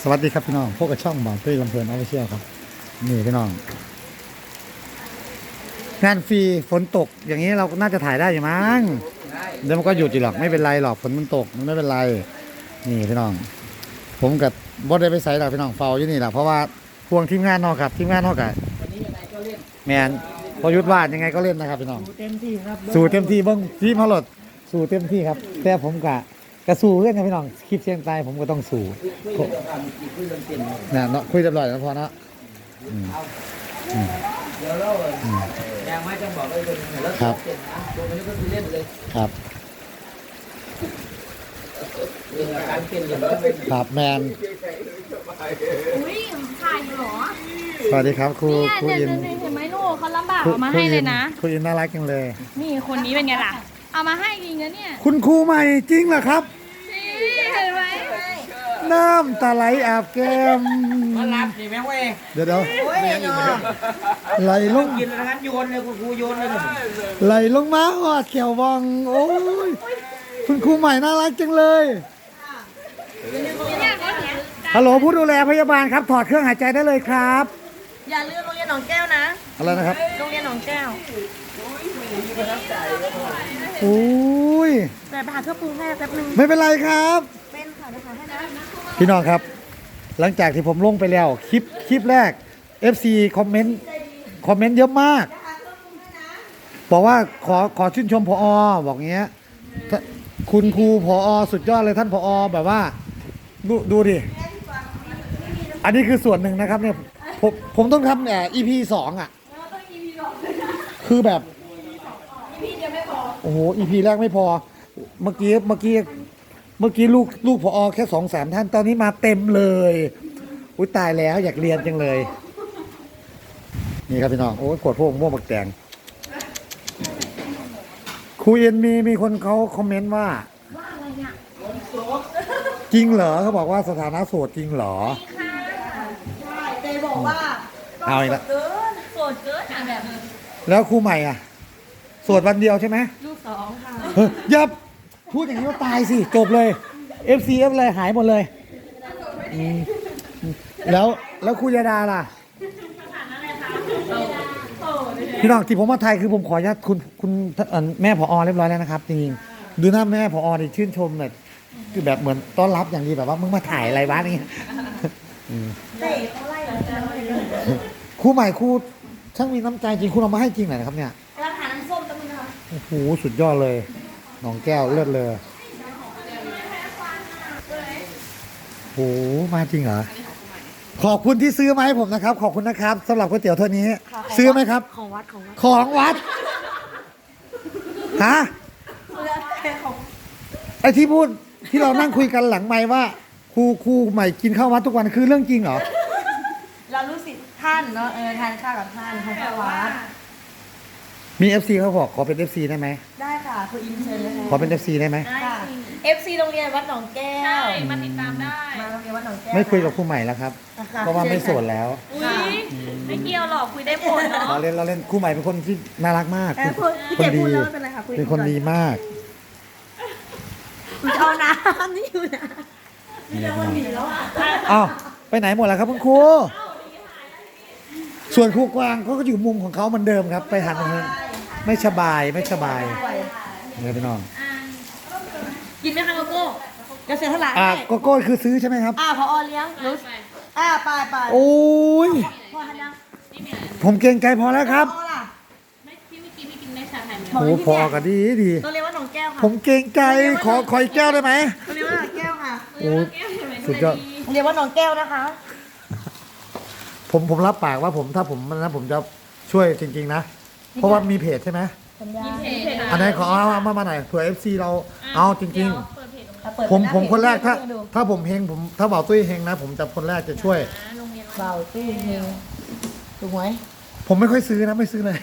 สวัสดีครับพี่น้องพวกกับช่องบ่าวตุ้ยลำเพลินออฟฟิเชียลครับนี่พี่น้องงานฟรีฝนตกอย่างนี้เราน่าจะถ่ายได้อยู่มั้งเดี๋ยวมันก็หยุดอยู่หรอกไม่เป็นไรหรอกฝนมันตกมันไม่เป็นไรนี่พี่น้องผมกับบอสได้ไปใส่หรอกพี่น้องเฝ้าอยู่นี่แหละเพราะว่าพวงทีมงานนอกครับทีมงานนอกกับแมนพอยุทธวาดยังไงก็เล่นนะครับพี่น้องเต็มที่ครับสู่เต็มที่เบิ้งทีมพลดสู่เต็มที่ครับแต่ผมกะสู้เล่นครับพี่น้องคลิปเชียงตายผมก็ต้องสู้เนี่ยเนาะคุยเรียบร้อยแล้วพอเนาะเดี๋ยวเรายังไม่จะบอกเลยแล้วครับตัวนี้ก็คือเล่นเลยครับเรื่องการเป็นอย่างนี้ครับแมนอุ้ยถ่ายอยู่เหรอสวัสดีครับครูอินเห็นไหมลูกเขาลำบากเอามาให้เลยนะครูอินน่ารักจังเลยนี่คนนี้เป็นไงล่ะเอามาให้จริงนะเนี่ยคุณครูใหม่จริงเหรอครับเห็นไหมน้ำตาไหลอาบแก้มมารับนี่แม่เว้ยเดี๋ยวไหลลงกินแล้วงั้นโยนเลยคุณครูโยนเลยไหลลงมาหอดเขียววังโอ้ยคุณครูใหม่น่ารักจังเลยฮัลโหลผู้ดูแลพยาบาลครับถอดเครื่องหายใจได้เลยครับอย่าลืมโรงเรียนหนองแก้วนะอะไรนะครับโรงเรียนหนองแก้วโอ้ยแต่ไปหาเครื่องปรุงให้แป๊บนึงไม่เป็นไรครับเป็นค่ะเดี๋ยวหาให้นะพี่น้องครับหลังจากที่ผมลงไปแล้วคลิปแรก FC คอมเมนต์เยอะมากบอกว่าขอชื่นชมผอ.บอกเงี้ยคุณครูผอ.สุดยอดเลยท่านผอ.แบบว่าดูดิอันนี้คือส่วนหนึ่งนะครับเนี่ยผมต้องทำEP 2อ่ะคือแบบโอ้โห EP แรกไม่พอเมื่อกี้ลูกผอ.แค่2-3ท่านตอนนี้มาเต็มเลยอุ้ยตายแล้วอยากเรียนจังเลยนี่ครับพี่น้องโอ้ยขวดพวกม่วงบักแตงครูเอ็นมีคนเขาคอมเมนต์ว่าอะไรเนี่ยจริงเหรอเขาบอกว่าสถานะโสดจริงเหรอใช่เจบอกว่าเอาอีกแล้วโสดเกินแบบแล้วครูใหม่อ่ะโสดวันเดียวใช่ไหมลูก2ค่ะอย่าพูดอย่างนี้ก็ตายสิจบเลย FCF เลยหายหมดเลยแล้วครูยาดาล่ะพี่น้องที่ผมมาไทยคือผมขออนุญาตคุณแม่ผอ.เรียบร้อยแล้วนะครับจริงๆดูหน้าแม่ผอ.ดิชื่นชมแบบคือแบบเหมือนต้อนรับอย่างดีแบบว่ามึงมาถ่ายอะไรวะนี่เตะเขาไล่ครูใหม่ครูช่างมีน้ำใจจริงคุณเอามาให้จริงเหรอครับเนี่ยราคาน้ำส้มตั้งนะคะโอ้โหสุดยอดเลยหนองแก้วเลิศเลยโอ้โหมาจริงเหรอขอบคุณที่ซื้อมาให้ผมนะครับขอบคุณนะครับสำหรับก๋วยเตี๋ยวเท่านี้ซื้อไหมครับของวัดฮะไอที่พูดที่เรานั่งคุยกันหลังไมค์ว่าครูใหม่กินข้าววัดทุกวันคือเรื่องจริงเหรอเรารู้สิท่านเนาะทานข้าวกับท่านของวัดมี FC เขาบอกขอเป็น FC ได้ไหมได้ค่ะคุณอินเชิญเลยขอเป็น FC ได้ไหมได้ FC โรงเรียนวัดหนองแก้วใช่มาติดตามได้มาโรงเรียนวัดหนองแก้วไม่คุยกับครูใหม่แล้วครับเพราะว่าไม่โสดแล้วไม่เกี่ยวหรอกคุยได้ผลเนาะเราเล่นครูใหม่เป็นคนที่น่ารักมากคนดีเป็นคนดีมากเอาน้ำนี่อยู่นะอ้าวไปไหนหมดแล้วครับคุณครูส่วนครูกวางเขาก็อยู่มุมของเขาเหมือนเดิมครับไปหันเงินไม่สบายเนี่ยพี่น้องกินไหมคะโกโก้จะเสียเท่าไหร่โกโก้คือซื้อใช่ไหมครับพอเลี้ยงรู้ไปโอ้ยพอทันยังผมเกรงใจพอแล้วครับพี่ไม่กินได้ชาไทยโอ้พอกันดีตัวเรียกว่าหนองแก้วค่ะผมเกรงใจขออีกแก้วได้ไหมตัวเรียกว่าหนองแก้วค่ะโอ้สุดยอดเรียกว่าหนองแก้วนะคะผมรับปากว่าถ้าผมจะช่วยจริงๆนะเพราะว่ามีเพจใช่ไหมอันไหนขอเอามาหน่อยเผื่อ FC เราเอาจริงๆผมคนแรกถ้าผมเฮงถ้าเบาตุ้ยเฮงนะผมจะคนแรกจะช่วยเบาตุ้ยเฮงถูกไหมผมไม่ค่อยซื้อนะไม่ซื้อเลย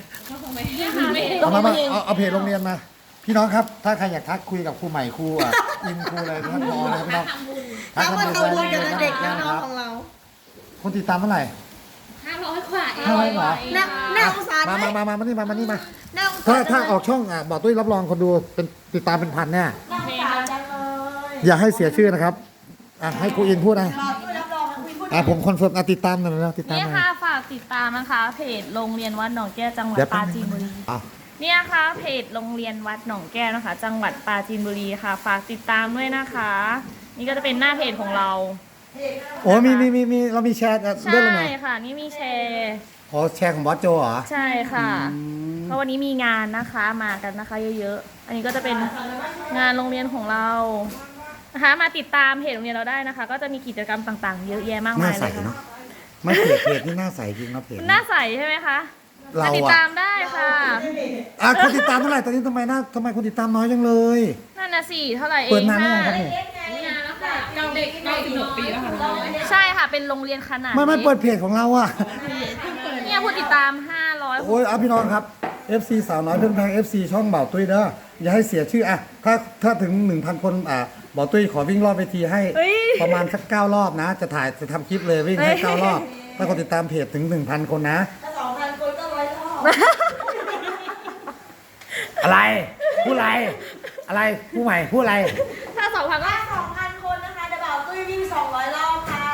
เอาเพจโรงเรียนมาพี่น้องครับถ้าใครอยากทักคุยกับครูใหม่ครูอินครูอะไรท่านผอเลยพี่น้องทักมาทำบุญกับเด็กน้องของเราคนติดตามเท่าไหร่ 500 กว่า 500เหรอน่าสงสารไหมมานี่มาถ้าออกช่องบอกตุ้ยรับรองคนดูเป็นติดตามเป็นพันแน่อย่าให้เสียชื่อนะครับให้ครูอินพูดนะบอกตุ้ยรับรองผมคอนเฟิร์มติดตามหน่อยนะติดตามเนี่ยหน่อยค่ะฝากติดตามนะคะเพจโรงเรียนวัดหนองแก้วจังหวัดเดี๋ยวปราจีนบุรีอ้าวเนี่ยค่ะเพจโรงเรียนวัดหนองแก้วนะคะ จังหวัดปราจีนบุรีค่ะ ฝากติดตามด้วยนะคะ นี่ก็จะเป็นหน้าเพจของเราโอ้มีเรามีแชร์ใช่เรื่องอะไรค่ะ นี่มีแชร์อ๋อแชร์ของบอสโจเหรอใช่ค่ะเพราะวันนี้มีงานนะคะมากันนะคะเยอะๆอันนี้ก็จะเป็นงานโรงเรียนของเรานะคะมาติดตามเพจโรงเรียนเราได้นะคะ ก็จะมีกิจกรรมต่างๆ เยอะแยะมากหน้ามายใสเลยค่ะเนาะไม่เพจนี่หน้าใสจริงนะเพจหน้าใสใช่ไหมคะเรามาติดอะตามได้ค่ะคนติดตามเท่าไหร่ตอนนี้ทำไมคนติดตามน้อยจังเลยนั่นนะสิเท่าไหร่เอเปิดงนานหรือยังครับค่ะนี่ 96 ปีแล้วค่ะใช่ค่ะเป็นโรงเรียนขนาดไม่นี้เปิดเพจของเราอะเนี่ยผู้ติดตาม500 โอ้ยเอาพี่น้องครับ FC สาวน้อยเพื่อนแพง FC ช่องเบาตุ้ยเด้ออย่าให้เสียชื่ออะถ้าถึง 1,000 คนเบาตุ้ยขอวิ่งรอบเวทีให้ประมาณสัก9รอบนะ จะทำคลิปเลยวิ่งให้9รอบถ้าคนติดตามเพจถึง 1,000 คนนะถ้า2,000 คนก็100 รอบอะไรพูดอะไรผู้ใหม่พูดอะไรถ้า2,000ก็ถ้า 2,000 คนนะคะจะบ่าวตุ้ยวิ่ง200 รอบค่ะ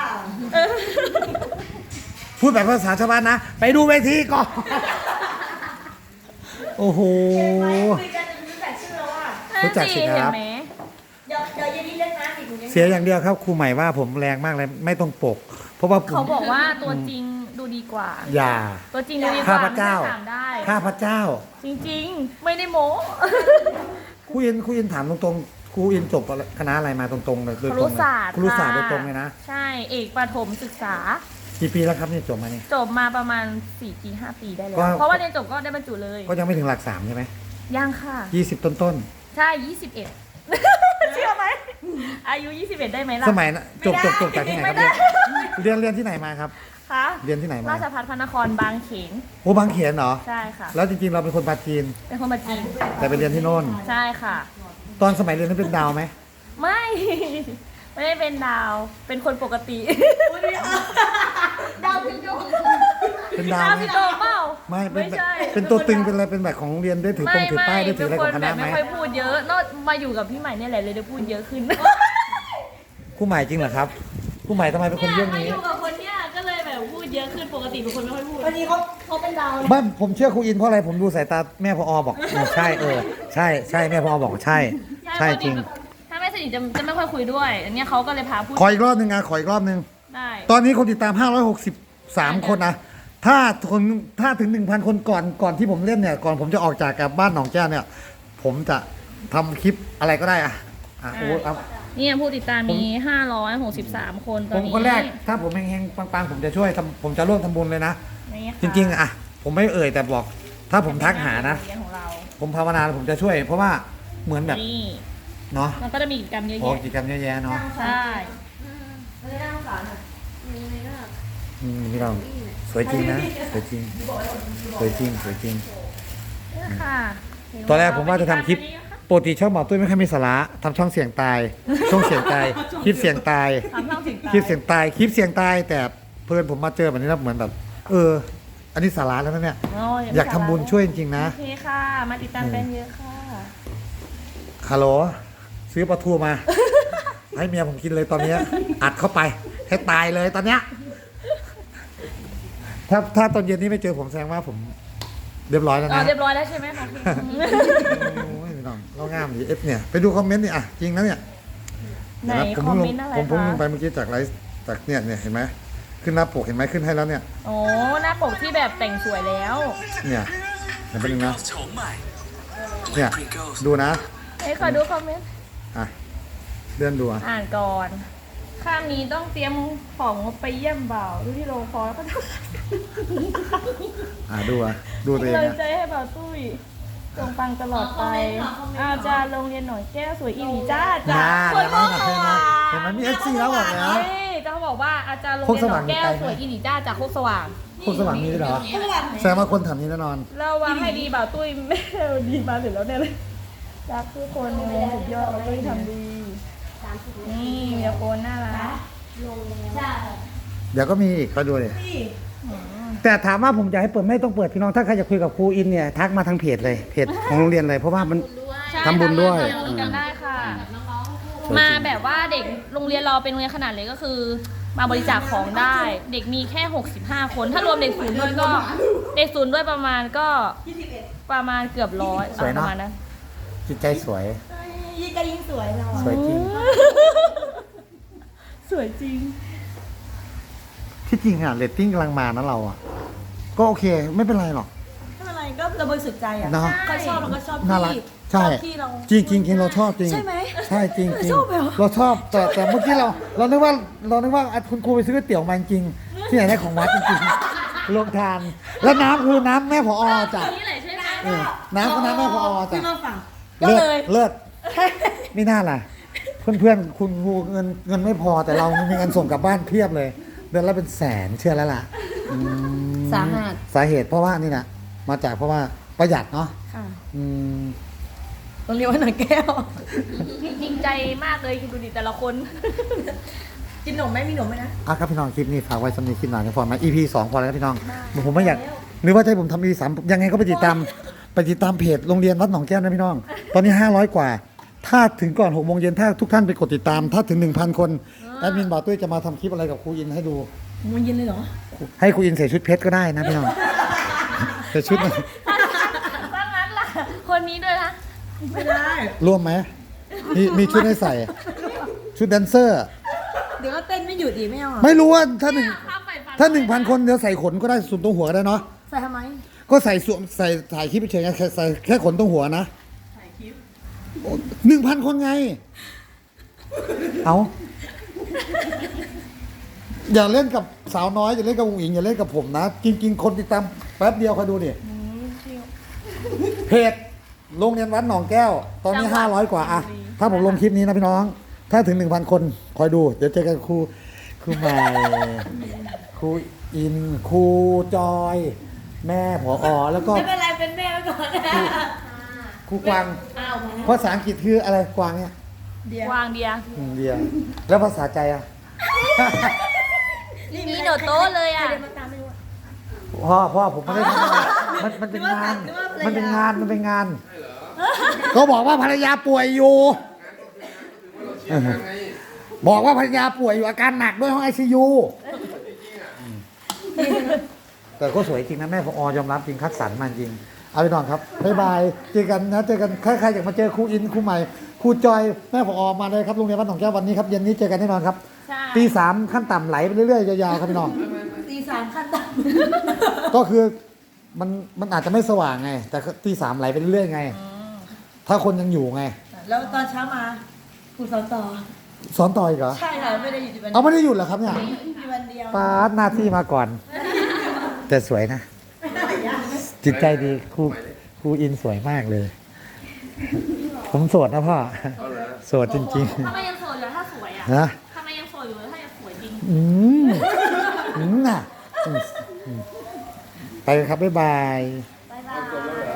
พูดแบบภาษาชาวบ้านนะ ไปดูเวทีก่อน โอ้โหคุยกันจะรู้จักชื่อแล้วอ่ะรู้จักสิครับเห็นไหมเดี๋ยวเย็นนี้เล่นน้ำอีกหนูยังเสียอย่างเดียวครับครูใหม่ว่าผมแรงมากเลยไม่ต้องปก เพราะว่าผมเขาบอกว่าตัวจริงดูดีกว่าอย่าตัวจริงดูดีกข้าว่าพเจ้าไม่ถามได้ข้าพเจ้าจริงๆ ไม่ได้โม้ครูอินถามตรงๆครูอินจบคณะอะไรมาตรงๆเลยโดยคตรรุงเลยศาสตร์ครูศาสตร์โดยค่ะตรงเลยนะใช่เอกประถมศึกษากี่ปีแล้วครับนี่จบมานี่จบมาประมาณ4 ปี 5 ปีได้แล้วก็เพราะว่าเรียนจบก็ได้บรรจุเลยก็ยังไม่ถึงหลัก3ใช่ไหมยังค่ะ 20 ต้นใช่ 21 เชื่อไหม อายุ 21 ได้ไหมล่ะๆสมัยนะจบจากที่ไหนครับเรียนที่ไหนมาครับคะเรียนที่ไหนมาราชภัฏพระนครบางเขนโอ้บางเขนเหรอใช่ค่ะแล้วจริงๆเราเป็นคนปาจีนเป็นคนมาจีนแต่ไปเรียนที่โน่นใช่ค่ะตอนสมัยเรียนนั้นเป็นดาวไหมไม่ ไม่ได้เป็นดาว เป็นคนปกติดาวพิมพ์เป็นดาวดาวไหมพี่โตเปล่าไม่เป็นแบบใช่เป็นตัวตึงเป็นอะไรเป็นแบบของโรงเรียนได้ถือปงถือป้ายได้ถืออะไรของคณะไหมไม่ค่อยพูดเยอะนอกมาอยู่กับพี่ใหม่เนี่ยแหละเลยได้พูดเยอะขึ้นครูใหม่จริงเหรอครับครูใหม่ทำไมเป็นคนเรื่องมานี้อยู่กับคนเนี้ยก็เลยแบบพูดเยอะขึ้นปกติเป็นคนไม่ค่อยพูดวันนี้เขาเป็นดาวเลยบ้านผมเชื่อครูอินเพราะอะไรผมดูสายตาแม่พอบอกใช่ใช่แม่พอบอกใช่ใช่จริงถ้าไม่สนิทจะไม่ค่อยคุยด้วย อันเนี้ยเขาก็เลยพาพูดขออีกรอบหนึงนะขออีกรอบหนึงได้ตอนนี้คนติดตาม563คนนะถ้าถึง 1,000 คนก่อนที่ผมเล่นเนี่ยก่อนผมจะออกจากกับบ้านหนองแก้วเนี่ย ผมจะทำคลิปอะไรก็ได้โอ้เอาเนี่ยผู้ติดตามมี563 คนตอผนมนี้คนแรกถ้าผมเฮงๆปังๆผมจะช่วยผมจะร่วมทำบุญเลยนะนี่ค่ะจริงๆผมไม่เอ่ยแต่บอก ถ้าผมทักหานะเรียนของเราผมภาวนาผมจะช่วย เพราะว่าเหมือนแบบนี่เนาะมันก็จะมีกิจกรรมเยอะโอ้แยะกิจกรรมเยอะแยะเนาะใช่ไม่ได้นั่งสารอ่ะพี่น้องสวยจริงนะสวยจริงสวยจริงสวยจริงเนี่ยค่ะตอนแรกผมว่าจะทำคลิปปกติช่องหมอตุ้ยไม่ค่อยมีสาระทำช่องเสียงตายช่องเสียงตายคลิปเสียงตายทำช่องเสียงคลิปเสียงตายคลิปเสียงตายแต่เพื่อนผมมาเจอแบบนี้แล้วเหมือนแบบอันนี้สาระแล้วนะเนี่ยอยากทำบุญช่วยจริงๆนะโอเคค่ะ มาติดตามกันเยอะค่ะฮัลโหลซื้อปลาทูมา ให้เมียผมกินเลยตอนเนี้ยอัดเข้าไปให้ตายเลยตอนเนี้ยถ้าตอนเย็นนี้ไม่เจอผมแสดงว่าผมเรียบร้อยแล้วอ๋อนะเรียบร้อยแล้วใช่ไหมคะพี่โอ้ยพี่น้องเรางามดีเนี่ยไปดูคอมเมนต์นี่จริงนะเนี่ยไหนผมคอมเพิ่งลเมงนต์อะไรผมเพิ่งคะลงไปเมื่อกี้จากไลฟ์จากเนี่ยเห็นไหมขึ้นหน้าปกเห็นไหมขึ้นให้แล้วเนี่ยโอ้หน้าปกที่แบบแต่งสวยแล้วเนี่ยเห็นเป็นยังนะเนี่ยดูนะเอ้ยขอดูคอมเมนต์เลื่อนดูอ่านก่อน ข้ามนี้ต้องเตรียมของไปเยี่ยมบ่าวดูที่โรงคอแล้วก็ต้องดูตัวเองกำลังนะใจให้บ่าวตุ้ยจงปังตลอดไป อาจารย์โรงเรียนหนองแก้วสวยอีหลีจ้าจ้าสวยมากเห็นไหมมี FC แล้วบอกแล้วจะบอกว่าอาจารย์โรงเรียนหนองแก้วสวยอีหลีจ้าจากโคกสว่างคนสว่างมีด้วยเหรอแสดงว่าคนแถวนี้แน่นอนระวังให้ดีบ่าวตุ้ยไม่ดีมาถึงแล้วเนี่ยเลยรักทุกคนในวงสุดยอดบ่าวตุ้ยทำดีนี่มีแต่คนน่ารักใช่เดี๋ยวก็มีอีกก็ดูเลยแต่ถามว่าผมอยากให้เปิดไม่ต้องเปิดพี่น้องถ้าใครจะคุยกับครูอินเนี่ยทักมาทางเพจเลยเพจของโรงเรียนเลยเพราะว่ามัน ทำบุญด้วยทำบุญกันได้ค่ะ มาแบบว่าเด็กโรงเรียนเราเป็นโรงเรียนขนาดเล็กก็คือมาบริจาคของได้ เด็กมีแค่65 คน ถ้ารวมเด็กศูนย์ด้วยก็เด็กศูนย์ด้วยประมาณก็ประมาณเกือบร้อยสวยปเนาะระมาณนั้นจิตใจสวยยิ่งก็ยิ่งสวยเราสวยจริงสวยจริงที่จริงอะเรตติ้งกำลังมานะเราอะก็โอเคไม่เป็นไรหรอกไม่เป็นไรก็เราบริสุทธิ์ใจอ่ะเนาะเขาชอบเราก็ชอบน่ารักที่ใช่ชอบที่เราจริงจริงจริงเราชอบจริงใช่ไหมใช่จริงจริงชอบเหรอเราชอบแต่เมื่อกี้เรานึกว่าคุณครูไปซื้อก๋วยเตี๋ยวมาจริงที่ไหนได้ของวัดจริงๆลงทาน แล้วน้ำคือน้ำแม่ผอจ้ะนี่แหละใช่ไหมเออน้ำก็น้ำแม่ผอจ้ะพี่มาฝั่งเลิศเลิศไม่น่าล่ะ เพื่อนๆคุณครูเงินไม่พอแต่เรามีเงินส่งกลับบ้านเพียบเลย เดือนละเป็นแสนเชื่อแล้วล่ะอืมสาหัสสาเหตุเพราะว่านี่นะมาจากเพราะว่าประหยัดเนาะค่ะอืมโรงเรียนวัดหนองแก้วจริงใจมากเลยคิดดูดิแต่ละคนกินหนมไหมมีหนมไหมนะอ่ะครับพี่น้องคลิปนี้ฝากไว้สำหรับคลิปหน่อยนะพอไหม EP 2 พอแล้วนะพี่น้องผมไม่อยากหรือว่าจะให้ผมทำ EP 3ยังไงก็ไปติดตามเพจโรงเรียนวัดหนองแก้วนะพี่น้อง ตอนนี้500 กว่า ถ้าถึงก่อน6 โมงเย็นถ้าทุกท่านไปกดติดตาม ถ้าถึง 1,000 คนแอดมินบ่าวตุ้ยจะมาทำคลิปอะไรกับครูอินให้ดูมันเย็นเลยเหรอให้ครูอินใส่ชุดเพชรก็ได้นะพี่น้องใส่ชุดถ้างั้นล่ะ คนนี้ด้วยนะไม่ได้ร่วมไหมมีชุดให้ใส่ ชุดแดนเซอร์เดี๋ยวก็เต้นไม่หยุดอีกไม่เอาเหรอไม่รู้ว่าถ้าถ้า 1,000 คนเดี๋ยวใส่ขนก็ได้ส่วนตรงหัวก็ได้เนาะใส่ทำไมก็ใส่ถ่ายคลิปเฉยๆไงใส่แค่ขนตรงหัวนะ1,000 คนไง เอาอย่าเล่นกับสาวน้อยอย่าเล่นกับอุ๋งอิงอย่าเล่นกับผมนะ จริง ๆ คนติดตามแป๊บเดียวคอยดูดิเพจโรงเรียนวัดหนองแก้ว ตอนนี้500 กว่าอะถ้าผมลงคลิปนี้นะพี่น้อง ถ้าถึง 1,000 คนคอยดู เดี๋ยวเจอกันครูใหม่ครูอินครูจอย แม่ผอแล้วก็ไม่เป็นไรเป็นแม่ไว้ก่อนครูกวางอ้าวมาภาษาอังกฤษคืออะไรกวางเนี่ยเดี๋ยววางเดียเดียวแล้วภาษาใจอ่ะมีโดดโต๊ะเลยอ่ะใครเดินมาตามไม่รู้อะพ่อผมไม่ได้ทำงานมันเป็นงาน มันเป็นงาน ก็บอกว่าภรรยาป่วยอยู่ บอกว่าภรรยาป่วยอยู่อาการหนักด้วยห้องไอซียูแต่ก็สวยจริงนะแม่พอยอมรับจริงคัดสรรมาจริง เอาไปนอนครับบ๊ายบายเจอกันนะเจอกันใครอยากมาเจอครูอินครูใหม่ครูจอยแม่พอมาเลยครับโรงเรียนวัดหนองแก้ววันนี้ครับเย็นนี้เจอกันแน่นอนครับใช่ตี 3ขั้นต่ำไหลไปเรื่อยๆยาวๆครับพี่น้องตีสามขั้นต่ก็คือมันอาจจะไม่สว่างไง แต่ตี 3ไหลไปเรื่อยๆไง ถ้าคนยังอยู่ไงำแล้วตอนเช้ามาครูสอนต่อสอนต่ออีกเหรอใช่ค่ะไม่ได้อยู่ที่วันเอาไม่ได้หยุดเหรอครับเนี่ยมีวันเดียวปาดหน้าที่มาก่อน แต่สวยนะ จิตใจดีครูอินสวยมากเลย ผมโสดนะพ่อโสดจริงทำไมยังโสดอยู่ถ้าสวยอ่ะๆนะทำไมยังโสดอยู่ถ้ายังสวยจริงน่ะไปครับบ๊ายบาย